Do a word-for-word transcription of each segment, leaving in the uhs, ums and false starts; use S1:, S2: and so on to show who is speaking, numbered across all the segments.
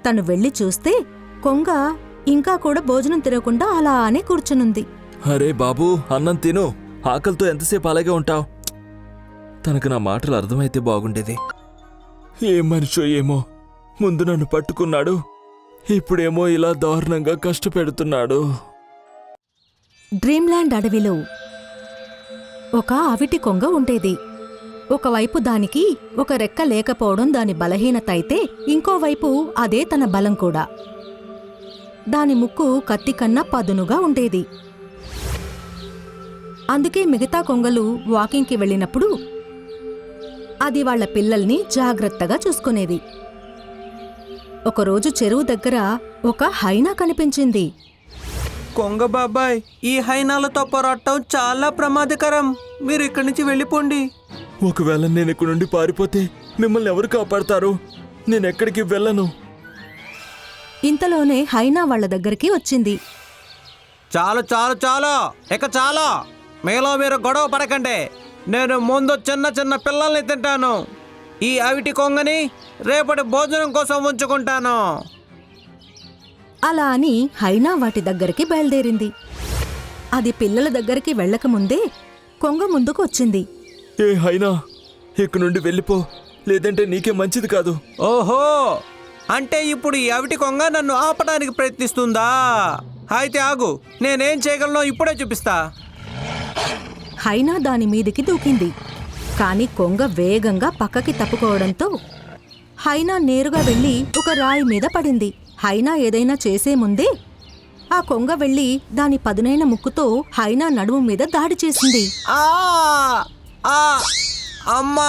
S1: తను వెళ్లి చూస్తే కొంగ ఇంకా కూడా భోజనం తినకుండా అలానే కూర్చునుంది.
S2: అరే బాబూ, అన్నం తిను. ఆకలితో ఎంతసేపు అలాగే ఉంటావు? తనకు నా మాటలు అర్థమైతే బాగుండేది. ఏ మనిషో ఏమో, ముందు నన్ను పట్టుకున్నాడు, ఇప్పుడేమో ఇలా దారుణంగా కష్టపెడుతున్నాడు.
S1: డ్రీమ్ల్యాండ్ అడవిలో ఒక అవిటి కొంగ ఉండేది. ఒకవైపు దానికి ఒక రెక్క లేకపోవడం దాని బలహీనత అయితే, ఇంకోవైపు అదే తన బలం కూడా. దాని ముక్కు కత్తి కన్నా పదునుగా ఉండేది. అందుకే మిగతా కొంగలు వాకింగ్కి వెళ్ళినప్పుడు అది వాళ్ల పిల్లల్ని జాగ్రత్తగా చూసుకునేది. ఒకరోజు చెరువు దగ్గర ఒక హైనా కనిపించింది.
S3: కొంగ బాబాయ్, ఈ హైనాలతో పోరాటం చాలా ప్రమాదకరం. మీరు ఇక్కడి నుంచి వెళ్ళిపోండి.
S2: ఒకవేళ నేను ఇక్కడ నుండి పారిపోతే మిమ్మల్ని ఎవరు కాపాడతారు? నేనెక్కడికి వెళ్ళను.
S1: ఇంతలోనే హైనా వాళ్ల దగ్గరికి వచ్చింది.
S3: చాలు చాలు చాలు, ఇక చాలు. మీలో మీరు గొడవ పడకండి. నేను ముందు చిన్న చిన్న పిల్లల్ని తింటాను. ఈ అవిటి కొంగని రేపటి భోజనం కోసం ఉంచుకుంటాను.
S1: అలా అని హైనా వాటి దగ్గరికి బయలుదేరింది. అది పిల్లల దగ్గరికి వెళ్లకముందే కొంగ ముందుకు వచ్చింది.
S2: ఏ హైనా, ఇక్కడ నుండి వెళ్ళిపో, లేదంటే నీకే మంచిది కాదు.
S3: ఓహో, అంటే ఇప్పుడు ఈ అవిటి కొంగ నన్ను ఆపడానికి ప్రయత్నిస్తుందా? అయితే ఆగు, నేనేం చేయగలనో ఇప్పుడే చూపిస్తా.
S1: హైనా దాని మీదికి దూకింది. కాని కొంగ వేగంగా పక్కకి తప్పుకోవడంతో హైనా నేరుగా వెళ్లి ఒక రాయి మీద పడింది. హైనా ఏదైనా చేసే ముందే ఆ కొంగ వెళ్లి దాని పదునైన ముక్కుతో హైనా నడుము మీద దాడి చేసింది.
S3: ఆ ఆ అమ్మా!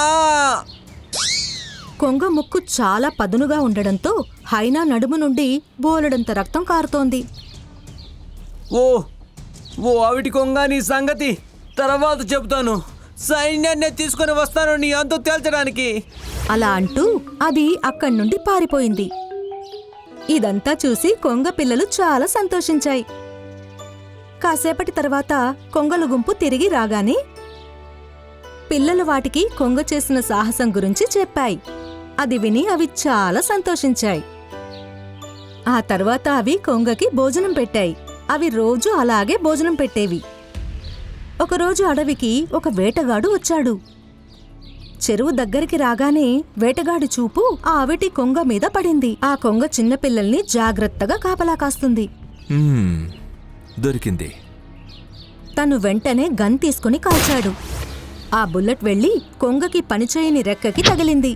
S1: కొంగ ముక్కు చాలా పదునుగా ఉండడంతో హైనా నడుము నుండి బోలెడంత రక్తం కారుతోంది.
S3: ఓ ఓ అవిటి కొంగ, నీ సంగతి తర్వాత చెబుతాను. సైన్యాన్ని తీసుకుని వస్తాను నీ అంతు తేల్చడానికి.
S1: అలా అంటూ అది అక్కడి నుండి పారిపోయింది. ఇదంతా చూసి కొంగ పిల్లలు చాలా సంతోషించాయి. కాసేపటి తర్వాత కొంగల గుంపు తిరిగి రాగానే పిల్లలు వాటికి కొంగ చేసిన సాహసం గురించి చెప్పాయి. అది విని అవి చాలా సంతోషించాయి. ఆ తర్వాత అవి కొంగకి భోజనం పెట్టాయి. అవి రోజూ అలాగే భోజనం పెట్టేవి. ఒకరోజు అడవికి ఒక వేటగాడు వచ్చాడు. చెరువు దగ్గరికి రాగానే వేటగాడి చూపు ఆ అవిటి కొంగ మీద పడింది. ఆ కొంగ చిన్నపిల్లల్ని జాగ్రత్తగా కాపలా కాస్తుంది.
S2: మ్మ్, దొరికింది.
S1: తను వెంటనే గన్ తీసుకుని కాల్చాడు. ఆ బుల్లెట్ వెళ్లి కొంగకి పనిచేయని రెక్కకి తగిలింది.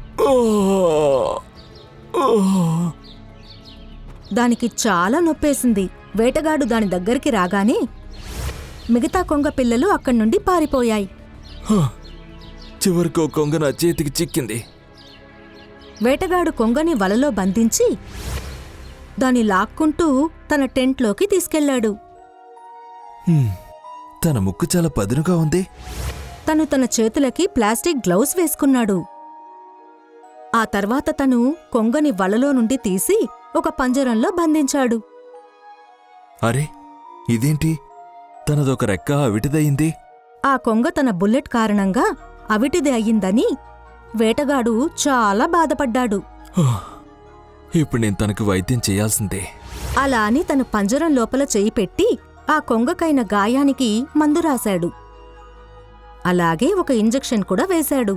S1: దానికి చాలా నొప్పేసింది. వేటగాడు దాని దగ్గరికి రాగానే మిగతా కొంగ పిల్లలు అక్కడి నుండి పారిపోయాయి.
S2: చివరికి కొంగ నా చేతికి చిక్కింది.
S1: వేటగాడు కొంగని వలలో బంధించి దాన్ని లాక్కుంటూ తన టెంట్లోకి తీసుకెళ్లాడు.
S2: హ్మ్, తన ముక్కు చాలా పదునుగా ఉంది.
S1: తను తన చేతులకి ప్లాస్టిక్ గ్లౌస్ వేసుకున్నాడు. ఆ తర్వాత తను కొంగని వలలో నుండి తీసి ఒక పంజరంలో బంధించాడు.
S2: అరే, ఇదేంటి? తనదొక రెక్క అవిటిదయింది.
S1: ఆ కొంగ తన బుల్లెట్ కారణంగా అవిటిది అయ్యిందని వేటగాడు చాలా బాధపడ్డాడు.
S2: ఇప్పుడు నేను తనకు వైద్యం చేయాల్సిందే.
S1: అలా అని తను పంజరం లోపల చెయ్యి పెట్టి ఆ కొంగకైన గాయానికి మందు రాశాడు. అలాగే ఒక ఇంజెక్షన్ కూడా వేశాడు.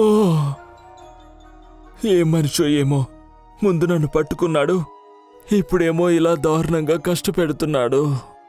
S2: ఏ మనిషో ఏమో, ముందు నన్ను పట్టుకున్నాడు, ఇప్పుడేమో ఇలా దారుణంగా కష్టపెడుతున్నాడు.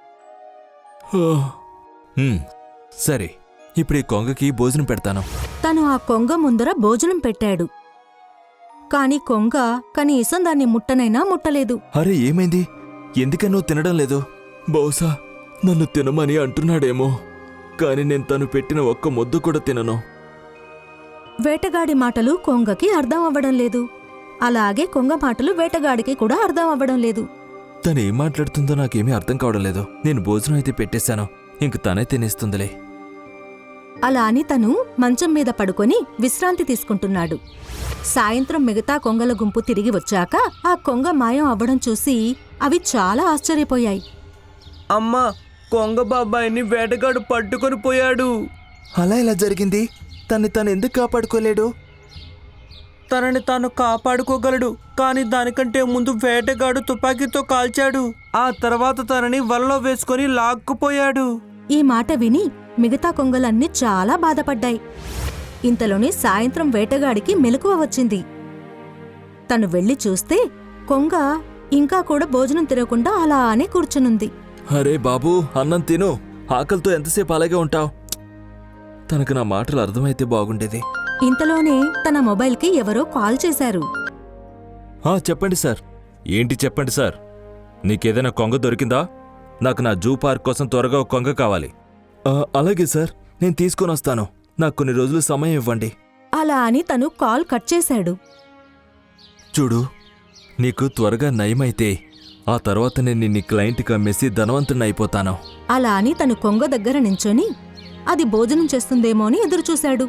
S2: సరే, ఇప్పుడు ఈ కొంగకి భోజనం పెడతాను.
S1: తను ఆ కొంగ ముందర భోజనం పెట్టాడు. కాని కొంగ కనీసం దాన్ని ముట్టనైనా ముట్టలేదు.
S2: అరే, ఏమైంది? ఎందుకనో తినడం లేదు? బహుశా నన్ను తినమని అంటున్నాడేమో, కాని నేను తను పెట్టిన ఒక్క ముద్దు కూడా తినను.
S1: వేటగాడి మాటలు కొంగకి అర్థం అవ్వడం లేదు. అలాగే కొంగ మాటలు వేటగాడికి కూడా అర్థం అవ్వడం లేదు.
S2: తను ఏం మాట్లాడుతుందో నాకేమీ అర్థం కావడం లేదు. నేను భోజనం అయితే పెట్టేశాను, ఇంక తనే తినేస్తుందిలే.
S1: అలా అని తను మంచం మీద పడుకొని విశ్రాంతి తీసుకుంటున్నాడు. సాయంత్రం మిగతా కొంగల గుంపు తిరిగి వచ్చాక ఆ కొంగ మాయం అవ్వడం చూసి అవి చాలా ఆశ్చర్యపోయాయి.
S3: అమ్మా, కొంగ బాబాయిని వేటగాడు పట్టుకొని పోయాడు.
S2: అలా ఎలా జరిగింది? తన్ని తను ఎందుకు కాపాడుకోలేడు?
S3: తనని తాను కాపాడుకోగలడు, కానీ దానికంటే ముందు వేటగాడు తుపాకీతో కాల్చాడు. ఆ తర్వాత తనని వలలో వేసుకొని లాక్కుపోయాడు.
S1: ఈ మాట విని మిగతా కొంగలన్నీ చాలా బాధపడ్డాయి. ఇంతలోనే సాయంత్రం వేటగాడికి మెలకువ వచ్చింది. తను వెళ్లి చూస్తే కొంగ ఇంకా కూడా భోజనం తినకుండా అలానే కూర్చునుంది.
S2: అరే బాబూ, అన్నం తిను. ఆకలితో ఎంతసేపు అలాగే ఉంటావు? తనకు నా మాటలు అర్థమైతే బాగుండేది.
S1: ఇంతలోనే తన మొబైల్కి ఎవరో కాల్ చేశారు.
S2: ఆ, చెప్పండి సార్. ఏంటి చెప్పండి సార్. నీకేదైనా కొంగ దొరికిందా? నాకు నా జూ పార్క్ కోసం త్వరగా ఒక కొంగ కావాలి. ఆ, అలాగే సార్, నేను తీసుకొని వస్తాను. నాకు కొన్ని రోజులు సమయం ఇవ్వండి.
S1: అలా అని తను కాల్ కట్ చేశాడు.
S2: చూడు, నీకు త్వరగా నయమైతే ఆ తర్వాత నేను నీ క్లయింట్కి అమ్మేసి ధనవంతుని అయిపోతాను.
S1: అలా అని తను కొంగ దగ్గర నించొని అది భోజనం చేస్తుందేమో అని ఎదురుచూశాడు.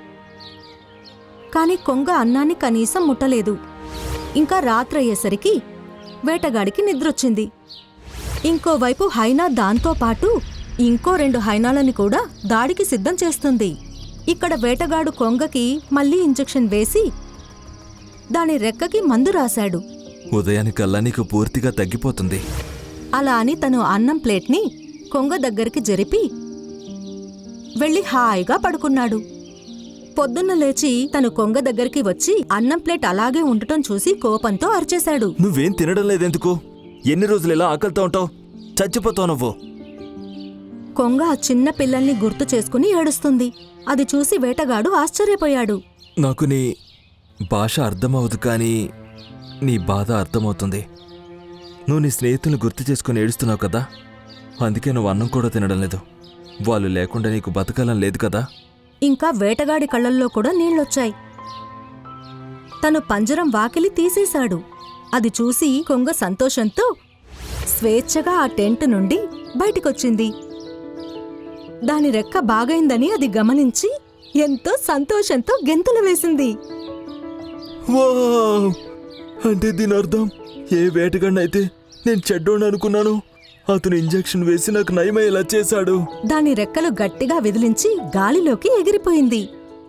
S1: కాని కొంగ అన్నాన్ని కనీసం ముట్టలేదు. ఇంకా రాత్రయ్యేసరికి వేటగాడికి నిద్రొచ్చింది. ఇంకోవైపు హైనా దాంతో పాటు ఇంకో రెండు హైనాలని కూడా దాడికి సిద్ధం చేస్తుంది. ఇక్కడ వేటగాడు కొంగకి మళ్లీ ఇంజెక్షన్ వేసి దాని రెక్కకి మందు రాశాడు.
S2: ఉదయానికల్లా నీకు పూర్తిగా తగ్గిపోతుంది.
S1: అలా అని తను అన్నం ప్లేట్ని కొంగ దగ్గరికి జరిపి వెళ్లి హాయిగా పడుకున్నాడు. పొద్దున్న లేచి తను కొంగ దగ్గరికి వచ్చి అన్నం ప్లేట్ అలాగే ఉండటం చూసి కోపంతో అరిచేశాడు.
S2: నువ్వేం తినడం లేదెందుకు? ఎన్ని రోజులు ఇలా ఆకలితో ఉంటావు? చచ్చిపోతావు నువ్వు.
S1: కొంగ ఆ చిన్న పిల్లల్ని గుర్తు చేసుకుని ఏడుస్తుంది. అది చూసి వేటగాడు ఆశ్చర్యపోయాడు.
S2: నాకు నీ భాష అర్థమవదు, కానీ నీ బాధ అర్థమవుతుంది. నువ్వు నీ స్నేహితులను గుర్తు చేసుకుని ఏడుస్తున్నావు కదా, అందుకే నువ్వు అన్నం కూడా తినడం లేదు. వాళ్ళు లేకుండా నీకు బతకాలం లేదు కదా.
S1: ఇంకా వేటగాడి కళ్ళల్లో కూడా నీళ్లొచ్చాయి. తను పంజరం వాకిలి తీసేశాడు. అది చూసి కొంగ సంతోషంతో స్వేచ్ఛగా ఆ టెంట్ నుండి బయటికొచ్చింది. దాని రెక్క బాగైందని అది గమనించి ఎంతో సంతోషంతో గెంతులు వేసింది.
S2: వావ్! అంటే దీని అర్థం, ఏ వేటగాడినైతే నేను చెడ్డోని అనుకున్నాను, అతను ఇంజెక్షన్ వేసి నాకు నయమయ్యేలా చేశాడు.
S1: దాని రెక్కలు గట్టిగా విదిలించి గాలిలోకి ఎగిరిపోయింది.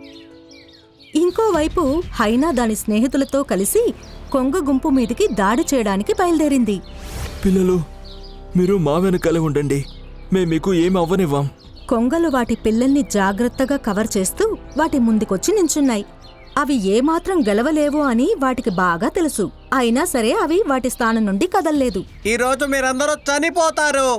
S1: ఇంకోవైపు హైనా దాని స్నేహితులతో కలిసి కొంగ గుంపు మీదికి దాడి చేయడానికి బయలుదేరింది.
S2: పిల్లలు, మీరు మా వెనకాలే ఉండండి, మేము మీకు ఏమి అవ్వనివ్వం.
S1: కొంగలు వాటి పిల్లల్ని జాగ్రత్తగా కవర్ చేస్తూ వాటి ముందుకొచ్చి నించున్నాయి. అవి ఏమాత్రం గెలవలేవో అని వాటికి బాగా తెలుసు. అయినా సరే అవి వాటి స్థానం నుండి కదల్లేదు.
S3: ఈ రోజు మీరందరూ చనిపోతారు.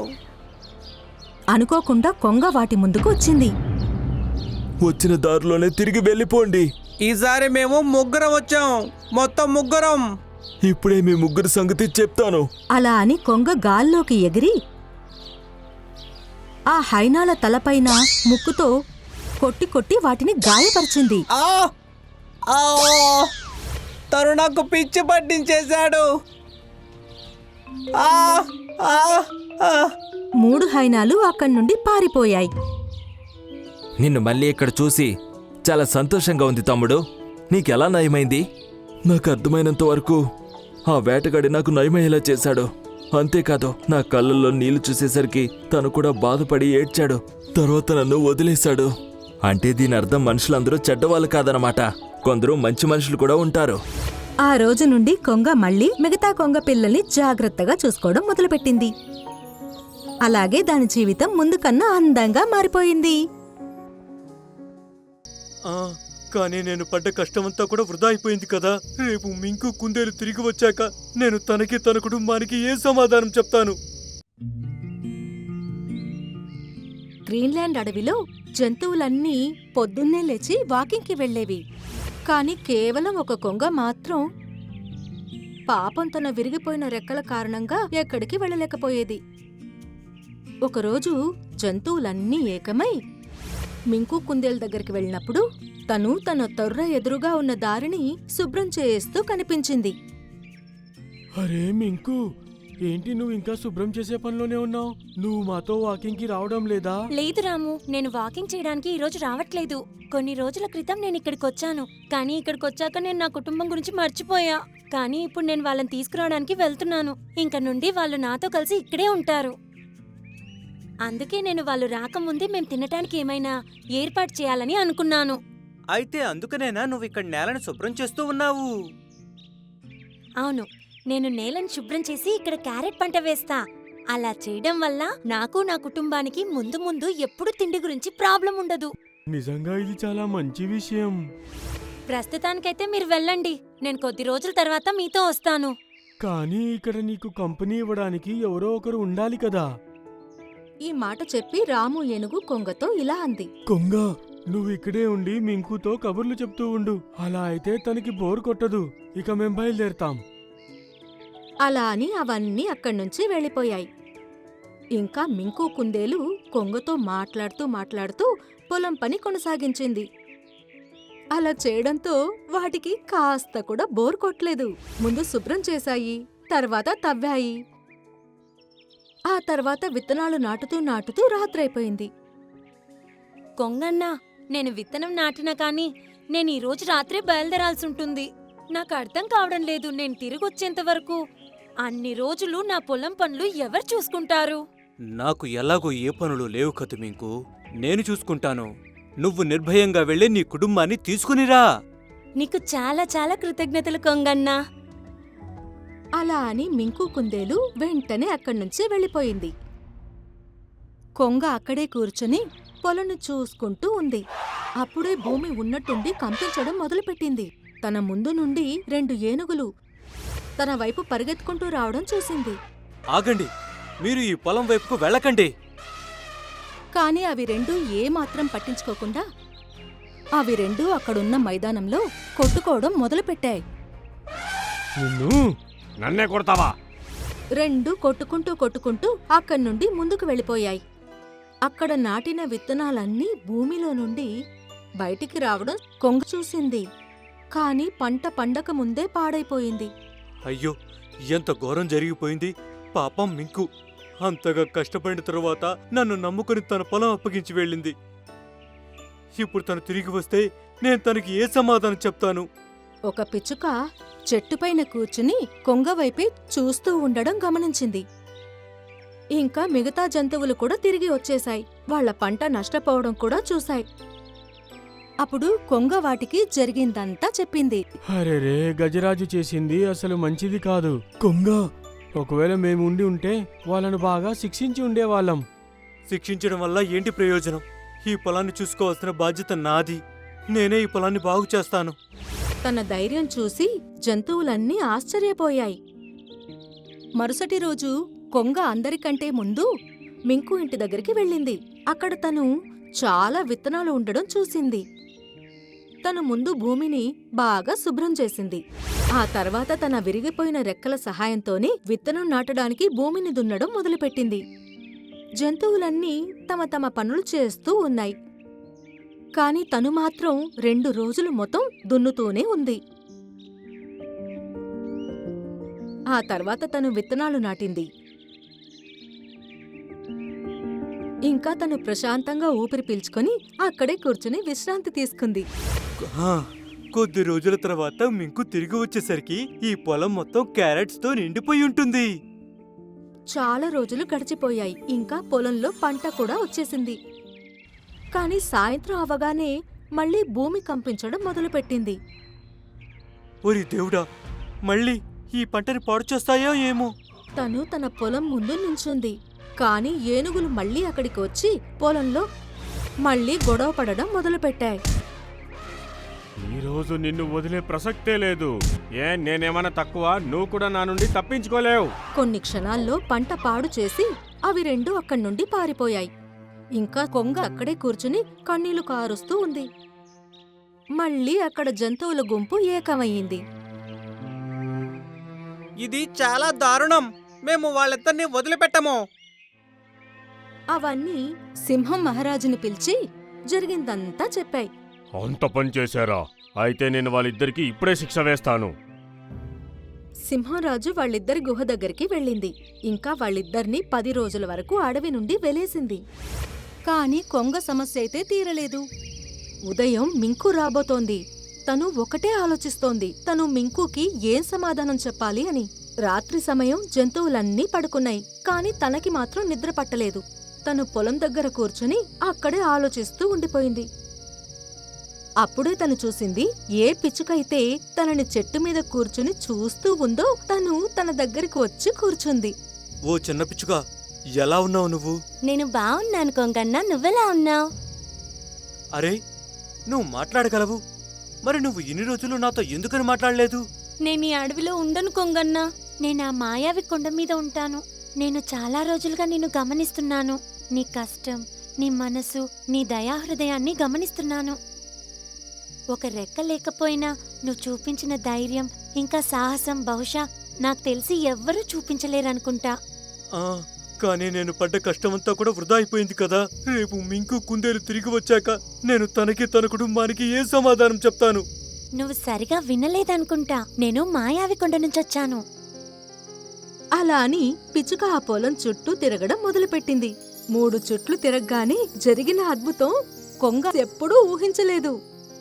S1: అనుకోకుండా కొంగ వాటి ముందుకు వచ్చింది.
S2: వచ్చిన దారిలోనే తిరిగి వెళ్ళిపోండి.
S3: ఈసారి మేము ముగ్గురం వచ్చాం, మొత్తం ముగ్గురం.
S2: ఇప్పుడే మీ ముగ్గురు సంగతి చెప్తాను.
S1: అలా అని కొంగ గాల్లోకి ఎగిరి ఆ హైనాల తలపైన ముక్కుతో కొట్టి కొట్టి వాటిని గాయపరిచింది.
S3: ఆ! ఆ! తను నాకు పిచ్చి పట్టించేశాడు. ఆ! ఆ! ఆ!
S1: మూడు హైనాలు అక్కడి నుండి పారిపోయాయి.
S2: నిన్ను మళ్ళీ ఇక్కడ చూసి చాలా సంతోషంగా ఉంది తమ్ముడు. నీకెలా నయమైంది? నాకు అర్థమైనంత వరకు ఆ వేటగాడి నాకు నయమయ్యేలా చేశాడు. అంతేకాదు, నా కళ్ళల్లో నీళ్లు చూసేసరికి తను కూడా బాధపడి ఏడ్చాడు. తర్వాత నన్ను వదిలేశాడు. అంటే దీని అర్థం మనుషులందరూ చెడ్డవాళ్ళు కాదనమాట. కొందరు మంచి మనుషులు కూడా ఉంటారు.
S1: ఆ రోజు నుండి కొంగ మళ్ళీ మిగతా కొంగ పిల్లల్ని జాగ్రత్తగా చూసుకోవడం మొదలుపెట్టింది. అలాగే దాని జీవితం ముందు కన్నా అందంగా మారిపోయింది.
S4: కానీ నేను పడ్డ కష్టమంతా కూడా వృధా అయిపోయింది కదా. రేపు మింకు కుందేలు తిరిగి వచ్చాక నేను తనకి తన కుటుంబానికి ఏ సమాధానం చెప్తాను?
S1: గ్రీన్లాండ్ అడవిలో జంతువులన్నీ పొద్దున్నే లేచి వాకింగ్కి వెళ్లేవి. కాని కేవలం ఒక కొంగ మాత్రం పాపం తన విరిగిపోయిన రెక్కల కారణంగా ఎక్కడికి వెళ్ళలేకపోయేది. ఒకరోజు జంతువులన్నీ ఏకమై మింకు కుందేలు దగ్గరికి వెళ్ళినప్పుడు తను తన తొర్ర ఎదురుగా ఉన్న దారిని శుభ్రం చేస్తూ కనిపించింది.
S4: అరే మింకు, ఏంటి నువ్వు ఇంకా శుభ్రం చేసే పనిలోనే ఉన్నావు? నువ్వు మాతో వాకింగ్ కి రావడం లేదా?
S5: లేదు రాము, నేను వాకింగ్ చేయడానికి ఈ రోజు రావట్లేదు. కొన్ని రోజుల క్రితం నేను ఇక్కడికి వచ్చాను, కానీ ఇక్కడికి వచ్చాక నేను నా కుటుంబం గురించి మర్చిపోయా. కానీ ఇప్పుడు నేను వాళ్ళని తీసుకురావడానికి వెళ్తున్నాను. ఇంక నుండి వాళ్ళు నాతో కలిసి ఇక్కడే ఉంటారు. అందుకే నేను వాళ్ళు రాకముందే మేం తినటానికి ఏమైనా ఏర్పాటు చేయాలని అనుకున్నాను.
S6: అయితే అందుకనేనా నువ్వు ఇక్కడ నేలను శుభ్రం చేస్తూ ఉన్నావు?
S5: అవును, నేను నేలను శుభ్రం చేసి ఇక్కడ క్యారెట్ పంట వేస్తా. అలా చేయడం వల్ల నాకు నా కుటుంబానికి ముందు ముందు ఎప్పుడు తిండి గురించి ప్రాబ్లం ఉండదు.
S4: నిజంగా ఇది చాలా మంచి విషయం.
S5: ప్రస్తుతానికైతే మీరు వెళ్ళండి, నేను కొద్ది రోజుల తర్వాత మీతో వస్తాను.
S4: కానీ ఇక్కడ నీకు కంపెనీ ఇవ్వడానికి ఎవరో ఒకరు ఉండాలి కదా.
S1: ఈ మాట చెప్పి రాము ఏనుగు కొంగతో ఇలా అంది.
S4: కొంగ, నువ్వు ఇక్కడే ఉండి మింకుతో కబుర్లు చెప్తూ ఉండు. అలా అయితే తనకి బోర్ కొట్టదు. ఇక మేం బయలుదేరతాం.
S1: అలా అని అవన్నీ అక్కడ్నుంచి వెళ్ళిపోయాయి. ఇంకా మింకు కుందేలు కొంగతో మాట్లాడుతూ మాట్లాడుతూ పొలం పని కొనసాగించింది. అలా చేయడంతో వాటికి కాస్త కూడా బోర్ కొట్టలేదు. ముందు శుభ్రం చేశాయి, తర్వాత తవ్వాయి. ఆ తర్వాత విత్తనాలు నాటుతూ నాటుతూ రాత్రైపోయింది.
S5: కొంగన్నా, నేను విత్తనం నాటినా కానీ నేను ఈ రోజు రాత్రే బయలుదేరాల్సి ఉంటుంది. నాకు అర్థం కావడం లేదు, నేను తిరిగొచ్చేంత వరకు అన్ని రోజులు నా పొలం పనులు ఎవరు చూసుకుంటారు?
S6: నాకు ఎలాగో ఏ పనులు లేవు కదు మింకు, నేను చూసుకుంటాను. నువ్వు నిర్భయంగా వెళ్ళి నీ కుటుంబాన్ని తీసుకునిరా.
S5: నీకు చాలా చాలా కృతజ్ఞతలు కొంగన్నా.
S1: అలా అని మింకు కుందేలు వెంటనే అక్కడ్నుంచి వెళ్ళిపోయింది. కొంగ అక్కడే కూర్చుని పొలను చూసుకుంటూ ఉంది. అప్పుడే భూమి ఉన్నట్టుండి కంపించడం మొదలుపెట్టింది. తన ముందు నుండి రెండు ఏనుగులు తన వైపు పరిగెత్తుకుంటూ రావడం చూసింది.
S6: ఆగండి, మీరు ఈ పొలం వైపుకు వెళ్ళకండి.
S1: కాని అవి రెండూ ఏమాత్రం పట్టించుకోకుండా అవి రెండూ అక్కడున్న మైదానంలో కొట్టుకోవడం మొదలుపెట్టాయి.
S4: నిన్ను నన్నే కొడతావా?
S1: రెండు కొట్టుకుంటూ కొట్టుకుంటూ అక్కడి నుండి ముందుకు వెళ్ళిపోయాయి. అక్కడ నాటిన విత్తనాలన్నీ భూమిలో నుండి బయటికి రావడం కొంగ చూసింది. కాని పంట పండక ముందే పాడైపోయింది.
S4: అయ్యో, ఎంత ఘోరం జరిగిపోయింది. పాపం మింకు అంతగా కష్టపడిన తరువాత నన్ను నమ్ముకుని తన పొలం అప్పగించి వెళ్ళింది. ఇప్పుడు తను తిరిగి వస్తే నేను తనకి ఏ సమాధానం చెప్తాను?
S1: ఒక పిచ్చుక చెట్టుపైన కూర్చుని కొంగవైపే చూస్తూ ఉండడం గమనించింది. ఇంకా మిగతా జంతువులు కూడా తిరిగి వచ్చేశాయి. వాళ్ల పంట నష్టపోవడం కూడా చూశాయి. అప్పుడు కొంగ వాటికి జరిగిందంతా చెప్పింది.
S4: అరెరే, గజరాజు చేసింది అసలు మంచిది కాదు. కొంగ, ఒకవేళ మేము ఉండి ఉంటే వాళ్ళను బాగా శిక్షించి ఉండేవాళ్ళం. శిక్షించడం వల్ల ఏంటి ప్రయోజనం? ఈ పొలాన్ని చూసుకోవాల్సిన బాధ్యత నాది. నేనే ఈ పొలాన్ని బాగు చేస్తాను.
S1: తన ధైర్యం చూసి జంతువులన్నీ ఆశ్చర్యపోయాయి. మరుసటి రోజు కొంగ అందరికంటే ముందు మింకు ఇంటి దగ్గరికి వెళ్ళింది. అక్కడ తను చాలా విత్తనాలు ఉండడం చూసింది. తను ముందు భూమిని బాగా శుభ్రం చేసింది. ఆ తర్వాత తన విరిగిపోయిన రెక్కల సహాయంతోనే విత్తనం నాటడానికి భూమిని దున్నడం మొదలుపెట్టింది. జంతువులన్నీ తమ తమ పనులు చేస్తూ ఉన్నాయి. కాని తను మాత్రం రెండు రోజులు మొత్తం దున్నుతూనే ఉంది. ఆ తర్వాత తను విత్తనాలు నాటింది. ఇంకా తను ప్రశాంతంగా ఊపిరి పీల్చుకొని అక్కడే కూర్చుని విశ్రాంతి తీసుకుంది.
S4: ఆ, కొద్ది రోజుల తర్వాత మింకు తిరిగి వచ్చేసరికి ఈ పొలం మొత్తం క్యారెట్స్ తో నిండిపోయి ఉంటుంది.
S1: చాలా రోజులు గడిచిపోయాయి. ఇంకా పొలంలో పంట కూడా వచ్చేసింది. కాని సాయంత్రం అవగానే మళ్లీ భూమి కంపించడం మొదలుపెట్టింది.
S4: ఓరి దేవుడా, మళ్ళీ ఈ పంటని పాడు చేస్తాయో ఏమో.
S1: తను తన పొలం ముందు నించుంది. కాని ఏనుగులు మళ్లీ అక్కడికి వచ్చి పొలంలో మళ్లీ గొడవ పడడం మొదలుపెట్టాయి.
S7: ఈ రోజు నిన్ను వదిలే ప్రసక్తే లేదు. ఏ నేనేమన్నా తక్కువ? నువ్వు కూడా నా నుండి తప్పించుకోలేవు.
S1: కొన్ని క్షణాల్లో పంట పాడు చేసి అవి రెండు అక్కడి నుండి పారిపోయాయి. ఇంకా కొంగ అక్కడే కూర్చుని కన్నీళ్లు కారుస్తూ ఉంది. మళ్ళీ అక్కడ జంతువుల గుంపు ఏకమయ్యింది.
S3: ఇది చాలా దారుణం. మేము వాళ్ళిద్దరిని వదిలిపెట్టము.
S1: అవన్నీ సింహం మహారాజుని పిలిచి జరిగిందంతా చెప్పాయి.
S7: అంత పని చేశారా? అయితే నేను వాళ్ళిద్దరికి ఇప్పుడే శిక్ష వేస్తాను.
S1: సింహరాజు వాళ్ళిద్దరి గుహ దగ్గరికి వెళ్ళింది. ఇంకా వాళ్ళిద్దరినీ పది రోజుల వరకు అడవి నుండి వెలేసింది. కాని కొంగ సమస్య అయితే తీరలేదు. ఉదయం మింకు రాబోతోంది. తను ఒకటే ఆలోచిస్తోంది, తను మింకుకి ఏం సమాధానం చెప్పాలి అని. రాత్రి సమయం జంతువులన్నీ పడుకున్నాయి. కాని తనకి మాత్రం నిద్ర పట్టలేదు. తను పొలం దగ్గర కూర్చుని అక్కడే ఆలోచిస్తూ ఉండిపోయింది. అప్పుడే తను చూసింది ఏ పిచ్చుకైతే తనని చెట్టు మీద కూర్చుని చూస్తూ ఉందో తను తన దగ్గరికి వచ్చి కూర్చుంది.
S6: ఓ చిన్న పిచ్చుక, ఎలా ఉన్నావు నువ్వు?
S5: నేను బావున్నాను కొంగన్న, నువ్వెలా ఉన్నావు?
S6: అరే, నువ్వు మాట్లాడగలవు. మరి నువ్వు ఇన్ని రోజులు నాతో ఎందుకని మాట్లాడలేదు?
S5: నేను ఈ అడవిలో ఉండను కొంగన్న. నేను ఆ మాయావి కొండ మీద ఉంటాను. నేను చాలా రోజులుగా నిన్ను గమనిస్తున్నాను. నీ కష్టం, నీ మనసు, నీ దయాహృదయాన్ని గమనిస్తున్నాను. ఒక రెక్క లేకపోయినా నువ్వు చూపించిన ధైర్యం ఇంకా సాహసం బహుశా నాకు తెలిసి ఎవ్వరూ చూపించలేరనుకుంటా.
S6: ఆ, కానీ నేను పడ్డ కష్టమంతా కూడా వృధా అయిపోయింది కదా. రేపు మింకు కుందేలు తిరిగి వచ్చాక నేను తనకి తన కుటుంబానికి ఏ సమాధానం చెప్తాను?
S5: నువ్వు సరిగా వినలేదనుకుంటా. నేను మాయావి కొండ నుంచొచ్చాను.
S1: అలా అని పిచ్చుక ఆ పొలం చుట్టూ తిరగడం మొదలుపెట్టింది. మూడు చుట్లు తిరగగానే జరిగిన అద్భుతం కొంగ ఎప్పుడూ ఊహించలేదు.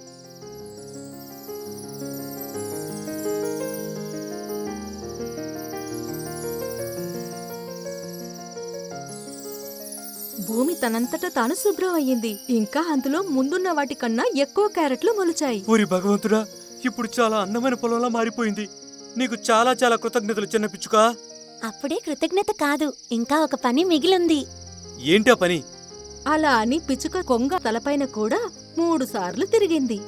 S1: భూమి తనంతట తాను శుభ్రం అయ్యింది. ఇంకా అందులో ముందున్న వాటికన్నా ఎక్కువ క్యారెట్లు మొలిచాయి.
S6: ఓరి భగవంతుడా, ఇప్పుడు చాలా అందమైన పొలంలా మారిపోయింది. నీకు చాలా చాలా కృతజ్ఞతలు చిన్న పిచ్చుకా.
S5: అప్పుడే కృతజ్ఞత కాదు, ఇంకా ఒక పని మిగిలింది.
S6: ఏంటా పని?
S1: అలా అని పిచ్చుక కొంగ తలపైన కూడా మూడు సార్లు తిరిగింది.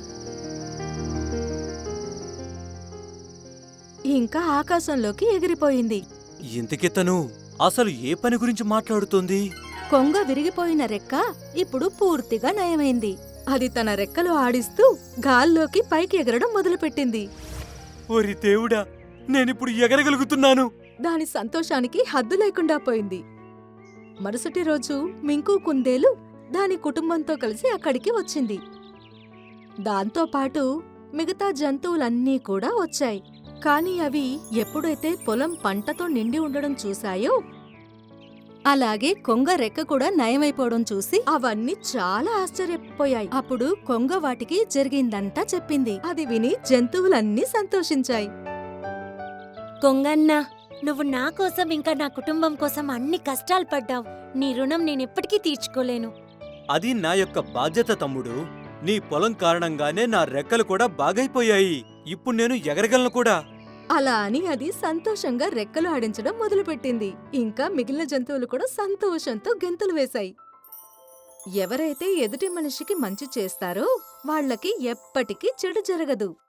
S1: ఇంకా ఆకాశంలోకి ఎగిరిపోయింది.
S6: ఇంతకీ తను అసలు ఏ పని గురించి మాట్లాడుతోంది?
S1: కొంగ విరిగిపోయిన రెక్క ఇప్పుడు పూర్తిగా నయమైంది. అది తన రెక్కలు ఆడిస్తూ గాల్లోకి పైకి ఎగరడం మొదలుపెట్టింది.
S6: ఓరి దేవుడా, నేనిప్పుడు ఎగరగలుగుతున్నాను.
S1: దాని సంతోషానికి హద్దు లేకుండా పోయింది. మరుసటి రోజు మింకు కుందేలు దాని కుటుంబంతో కలిసి అక్కడికి వచ్చింది. దాంతోపాటు మిగతా జంతువులన్నీ కూడా వచ్చాయి. కాని అవి ఎప్పుడైతే పొలం పంటతో నిండి ఉండడం చూశాయో, అలాగే కొంగ రెక్క కూడా నయమైపోవడం చూసి అవన్నీ చాలా ఆశ్చర్యపోయాయి. అప్పుడు కొంగ వాటికి జరిగిందంతా చెప్పింది. అది విని జంతువులన్నీ సంతోషించాయి.
S5: కొంగన్న, నువ్వు నా కోసం ఇంకా నా కుటుంబం కోసం అన్ని కష్టాలు పడ్డావు. నీ రుణం నేనెప్పటికీ తీర్చుకోలేను.
S6: అది నా యొక్క బాధ్యత తమ్ముడు. నీ పొలం కారణంగానే నా రెక్కలు కూడా బాగైపోయాయి. ఇప్పుడు నేను ఎగరగలను కూడా.
S1: అలా అని అది సంతోషంగా రెక్కలు ఆడించడం మొదలుపెట్టింది. ఇంకా మిగిలిన జంతువులు కూడా సంతోషంతో గెంతులు వేశాయి. ఎవరైతే ఎదుటి మనిషికి మంచి చేస్తారో వాళ్లకి ఎప్పటికీ చెడు జరగదు.